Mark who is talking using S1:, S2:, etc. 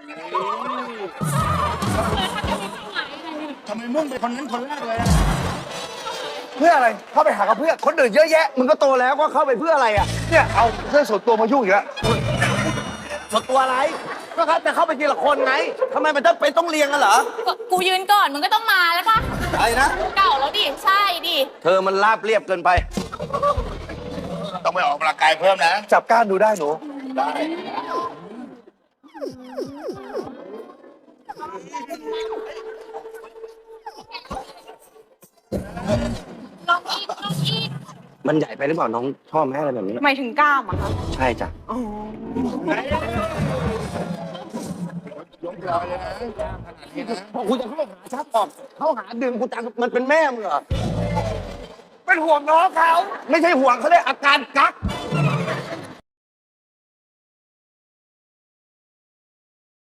S1: ทำไมมุ่งไปคนนั้นคนแรกเลยอะ
S2: เพื่ออะไรเข้าไปหากับเพื่อนคนอื่นเยอะแยะมึงก็โตแล้วก็เข้าไปเพื่ออะไรอ่ะเนี่ยเอาเรื่องส่วนตัวมายุ่งอีกแล้วส่วนตัวอะไรก็ครับจะเข้าไปทีละคนไงทำไมมันต้องเรียงกันเหรอ
S3: กูยืนก่อนมึงก็ต้องมาแล้วปะ
S2: อะไรนะ
S3: เก่าแล้วดิ ใช่ดิ
S2: เธอมันราบเรียบเกินไป
S1: ต้องไปออกกำลังกายเพิ่มนะ
S2: จับก้านดูได้หนู
S1: ได้
S3: ลองอีกลองอีก
S2: มันใหญ่ไปหรือเปล่าน้องชอบแม่อะไรแบบนี้
S3: หมายถึงกล้ามอะคะ
S2: ใช่จ้ะ
S1: ยกรอยเลยนะขนาดนี้นะ
S2: พอคุณจะเข้าหาชักออกเข้าหาดึงกูจังมันเป็นแม่มึงเหรอเป็นห่วงน้องเขาไม่ใช่ห่วงเขาเรียกอาการกัก